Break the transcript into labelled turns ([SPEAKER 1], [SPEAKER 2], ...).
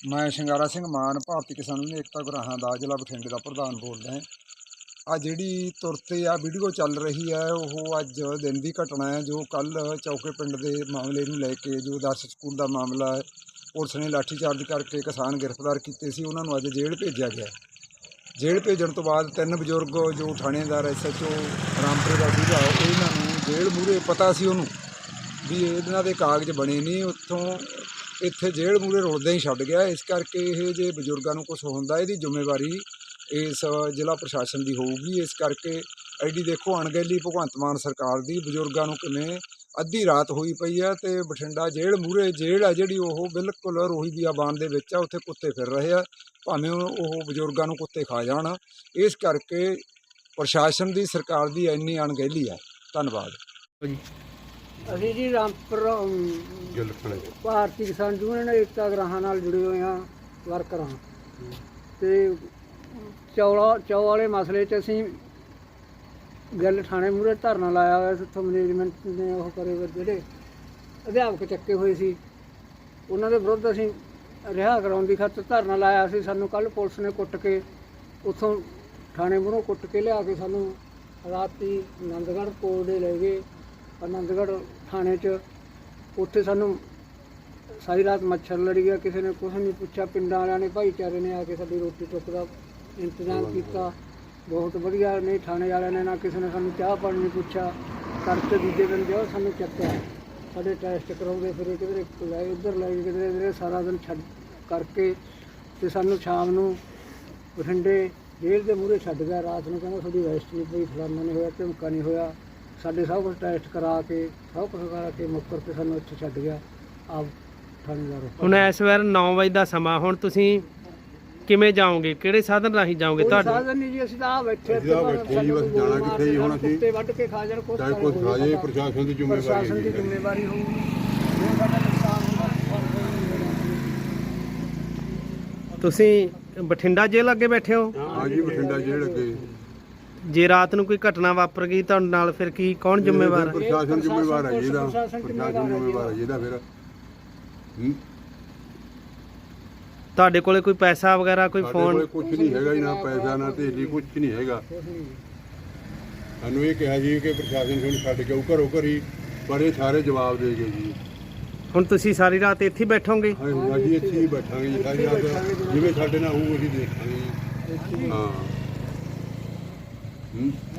[SPEAKER 1] मैं ਸ਼ਿੰਗਾਰਾ ਸਿੰਘ ਮਾਨ ਭਾਰਤੀ ਕਿਸਾਨ ਯੂਨੀਅਨ ਏਕਤਾ ਗੁਰਾਹਾਂ ਦਾ ਜ਼ਿਲ੍ਹਾ ਬਠਿੰਡੇ ਦਾ ਪ੍ਰਧਾਨ ਬੋਲਦਾ ਹਾਂ। ਆ ਜਿਹੜੀ ਤੁਰ 'ਤੇ ਆ ਵੀਡੀਓ ਚੱਲ ਰਹੀ ਹੈ ਉਹ ਅੱਜ ਦਿਨ ਦੀ ਘਟਨਾ ਹੈ, ਜੋ ਕੱਲ੍ਹ ਚੌਕੇ ਪਿੰਡ ਦੇ ਮਾਮਲੇ ਨੂੰ ਲੈ ਕੇ ਜੋ ਆਦਰਸ਼ ਸਕੂਲ ਦਾ ਮਾਮਲਾ ਹੈ, ਪੁਲਿਸ ਨੇ ਲਾਠੀਚਾਰਜ ਕਰਕੇ ਕਿਸਾਨ ਗ੍ਰਿਫਤਾਰ ਕੀਤੇ ਸੀ। ਉਹਨਾਂ ਨੂੰ ਅੱਜ ਜੇਲ੍ਹ ਭੇਜਿਆ ਗਿਆ। ਜੇਲ੍ਹ ਭੇਜਣ ਤੋਂ ਬਾਅਦ 3 ਬਜ਼ੁਰਗ ਜੋ ਥਾਣੇਦਾਰ SHO ਰਾਮਪੁਰੇ ਦਾ ਸੀਗਾ, ਇਹਨਾਂ ਨੂੰ ਜੇਲ੍ਹ ਮੂਹਰੇ ਪਤਾ ਸੀ ਉਹਨੂੰ ਵੀ ਇਹਨਾਂ ਦੇ ਕਾਗਜ਼ ਬਣੇ ਨਹੀਂ, ਉੱਥੋਂ ਇੱਥੇ ਜੇਲ੍ਹ ਮੂਹਰੇ ਰੁਲਦੇ ਹੀ ਛੱਡ ਗਿਆ। ਇਸ ਕਰਕੇ ਇਹ ਜੇ ਬਜ਼ੁਰਗਾਂ ਨੂੰ ਕੁਛ ਹੁੰਦਾ ਇਹਦੀ ਜ਼ਿੰਮੇਵਾਰੀ ਇਸ ਜ਼ਿਲ੍ਹਾ ਪ੍ਰਸ਼ਾਸਨ ਦੀ ਹੋਊਗੀ। ਇਸ ਕਰਕੇ ਐਡੀ ਦੇਖੋ ਅਣਗਹਿਲੀ ਭਗਵੰਤ ਮਾਨ ਸਰਕਾਰ ਦੀ, ਬਜ਼ੁਰਗਾਂ ਨੂੰ ਕਿਵੇਂ ਅੱਧੀ ਰਾਤ ਹੋਈ ਪਈ ਆ ਅਤੇ ਬਠਿੰਡਾ ਜੇਲ੍ਹ ਮੂਹਰੇ ਜੇਲ੍ਹ ਆ ਜਿਹੜੀ ਉਹ ਬਿਲਕੁਲ ਰੋਹੀ ਬਿਆਬਾਨ ਦੇ ਵਿੱਚ ਆ, ਉੱਥੇ ਕੁੱਤੇ ਫਿਰ ਰਹੇ ਆ, ਭਾਵੇਂ ਉਹ ਬਜ਼ੁਰਗਾਂ ਨੂੰ ਕੁੱਤੇ ਖਾ ਜਾਣ। ਇਸ ਕਰਕੇ ਪ੍ਰਸ਼ਾਸਨ ਦੀ ਸਰਕਾਰ ਦੀ ਇੰਨੀ ਅਣਗਹਿਲੀ ਹੈ। ਧੰਨਵਾਦ।
[SPEAKER 2] ਅਸੀਂ ਜੀ ਰਾਮਪੁਰ ਭਾਰਤੀ ਕਿਸਾਨ ਯੂਨੀਅਨ ਏਕਤਾ ਗੁਰਾਹਾਂ ਨਾਲ ਜੁੜੇ ਹੋਏ ਹਾਂ, ਵਰਕਰ ਹਾਂ। ਅਤੇ ਚੌ ਵਾਲੇ ਮਸਲੇ 'ਚ ਅਸੀਂ ਗੱਲ ਥਾਣੇ ਮੂਹਰੇ ਧਰਨਾ ਲਾਇਆ ਹੋਇਆ ਸੀ। ਉੱਥੋਂ ਮੈਨੇਜਮੈਂਟ ਨੇ ਉਹ ਕਰੇ ਜਿਹੜੇ ਅਧਿਆਪਕ ਚੱਕੇ ਹੋਏ ਸੀ, ਉਹਨਾਂ ਦੇ ਵਿਰੁੱਧ ਅਸੀਂ ਰਿਹਾ ਕਰਾਉਣ ਦੀ ਖਾਤਰ ਧਰਨਾ ਲਾਇਆ ਸੀ। ਸਾਨੂੰ ਕੱਲ੍ਹ ਪੁਲਿਸ ਨੇ ਕੁੱਟ ਕੇ ਉੱਥੋਂ ਥਾਣੇ ਮੂਹਰੋਂ ਕੁੱਟ ਕੇ ਲਿਆ ਕੇ ਸਾਨੂੰ ਰਾਤੀ ਆਨੰਦਗੜ੍ਹ ਕੋਲ ਦੇ ਲੈ ਗਏ। ਆਨੰਦਗੜ੍ਹ ਥਾਣੇ 'ਚ ਉੱਥੇ ਸਾਨੂੰ ਸਾਰੀ ਰਾਤ ਮੱਛਰ ਲੜੀ ਗਿਆ, ਕਿਸੇ ਨੇ ਕੁਛ ਨਹੀਂ ਪੁੱਛਿਆ। ਪਿੰਡਾਂ ਵਾਲਿਆਂ ਨੇ, ਭਾਈਚਾਰੇ ਨੇ ਆ ਕੇ ਸਾਡੀ ਰੋਟੀ ਟੁੱਕ ਦਾ ਇੰਤਜ਼ਾਮ ਕੀਤਾ, ਬਹੁਤ ਵਧੀਆ। ਨਹੀਂ ਥਾਣੇ ਵਾਲਿਆਂ ਨੇ ਨਾ ਕਿਸੇ ਨੇ ਸਾਨੂੰ ਚਾਹ ਪਾਣੀ ਨਹੀਂ ਪੁੱਛਿਆ। ਕਰਕੇ ਦੂਜੇ ਦਿਨ ਜੋ ਸਾਨੂੰ ਚੱਕਿਆ, ਸਾਡੇ ਟੈਸਟ ਕਰਾਉਂਦੇ ਫਿਰ ਕਿਧਰੇ ਲੈ ਉੱਧਰ ਲੈ ਕਿਧਰੇ ਕਿਧਰੇ ਸਾਰਾ ਦਿਨ ਛੱਡ ਕਰਕੇ ਅਤੇ ਸਾਨੂੰ ਸ਼ਾਮ ਨੂੰ ਬਠਿੰਡੇ ਜੇਲ੍ਹ ਦੇ ਮੂਹਰੇ ਛੱਡ ਗਿਆ। ਰਾਤ ਨੂੰ ਕਹਿੰਦਾ ਤੁਹਾਡੀ ਅਰੈਸਟ ਨਹੀਂ ਪਈ, ਫਲਾਨਾ ਨਹੀਂ ਹੋਇਆ, ਧਮਕਾ ਨਹੀਂ ਹੋਇਆ। ਸਾਡੇ ਸਭ ਕੁਛ ਟੈਸਟ ਕਰਾ ਕੇ ਸਭ ਕੁਛ ਕਰਾ ਕੇ ਮੁੱਕਰ ਕੇ ਸਾਨੂੰ ਇੱਥੇ ਛੱਡ ਗਿਆ ਆਪ ਥਾਣੇਦਾਰ।
[SPEAKER 3] ਹੁਣ ਇਸ ਵਾਰ 9 ਵਜੇ ਦਾ ਸਮਾਂ, ਹੁਣ ਤੁਸੀਂ ਕਿਵੇਂ ਜਾਓਗੇ? ਕਿਹੜੇ ਸਾਧਨ ਰਾਹੀਂ ਜਾਓਗੇ? ਤੁਹਾਡੇ
[SPEAKER 2] ਸਾਧਨ ਨਹੀਂ ਜੀ, ਅਸੀਂ ਤਾਂ ਬੈਠੇ
[SPEAKER 4] ਜੀ, ਬਸ ਜਾਣਾ ਕਿੱਥੇ ਜੀ? ਹੁਣ ਅਸੀਂ
[SPEAKER 2] ਕੁੱਤੇ ਵੱਢ ਕੇ ਖਾ ਜਾਣ, ਕੁਛ
[SPEAKER 4] ਚਾਹੇ ਕੁਛ ਖਾ ਜਾਏ, ਪ੍ਰਸ਼ਾਸਨ ਦੀ
[SPEAKER 2] ਜ਼ਿੰਮੇਵਾਰੀ ਹੋਊਗੀ। ਜੇ ਸਾਡਾ ਨੁਕਸਾਨ ਹੁੰਦਾ
[SPEAKER 3] ਤੁਸੀਂ ਬਠਿੰਡਾ ਜੇਲ੍ਹ ਅੱਗੇ ਬੈਠੇ ਹੋ?
[SPEAKER 4] ਹਾਂ ਜੀ, ਬਠਿੰਡਾ ਜੇਲ੍ਹ ਅੱਗੇ।
[SPEAKER 3] ਜੇ ਰਾਤ ਨੂੰ ਕੋਈ ਘਟਨਾ ਵਾਪਰ ਗਈ ਤੁਹਾਡੇ ਨਾਲ, ਫਿਰ ਕੀ ਕੌਣ ਜ਼ਿੰਮੇਵਾਰ ਹੈ?
[SPEAKER 4] ਪ੍ਰਸ਼ਾਸਨ ਜ਼ਿੰਮੇਵਾਰ ਹੈ ਜਿਹਦਾ, ਪ੍ਰਸ਼ਾਸਨ ਜ਼ਿੰਮੇਵਾਰ ਹੈ ਜਿਹਦਾ। ਫਿਰ
[SPEAKER 3] ਤੁਹਾਡੇ ਕੋਲੇ ਕੋਈ ਪੈਸਾ ਵਗੈਰਾ, ਕੋਈ ਫੋਨ?
[SPEAKER 4] ਕੁਝ ਨਹੀਂ ਹੈਗਾ ਜੀ, ਨਾ ਪੈਸਾ ਨਾ ਢੇਲੀ, ਕੁਝ ਨਹੀਂ ਹੈਗਾ। ਸਾਨੂੰ ਇਹ ਕਿਹਾ ਜੀ ਕਿ ਪ੍ਰਸ਼ਾਸਨ ਤੁਹਾਨੂੰ ਛੱਡ ਕੇ ਆਊ ਘਰੋਂ ਘਰੀ, ਪਰ ਇਹ ਸਾਰੇ ਜਵਾਬ ਦੇ ਗਏ ਜੀ।
[SPEAKER 3] ਹੁਣ ਤੁਸੀਂ ਸਾਰੀ ਰਾਤ ਇੱਥੇ ਹੀ ਬੈਠੋਗੇ?
[SPEAKER 4] ਅਸੀਂ ਇੱਥੇ ਹੀ ਬੈਠਾਂਗੇ ਜੀ ਸਾਰੀ ਰਾਤ, ਜਿਵੇਂ ਸਾਡੇ ਨਾਲ ਹੋਊ ਅਸੀਂ ਦੇਖਾਂਗੇ ਜੀ। ਹਾਂ।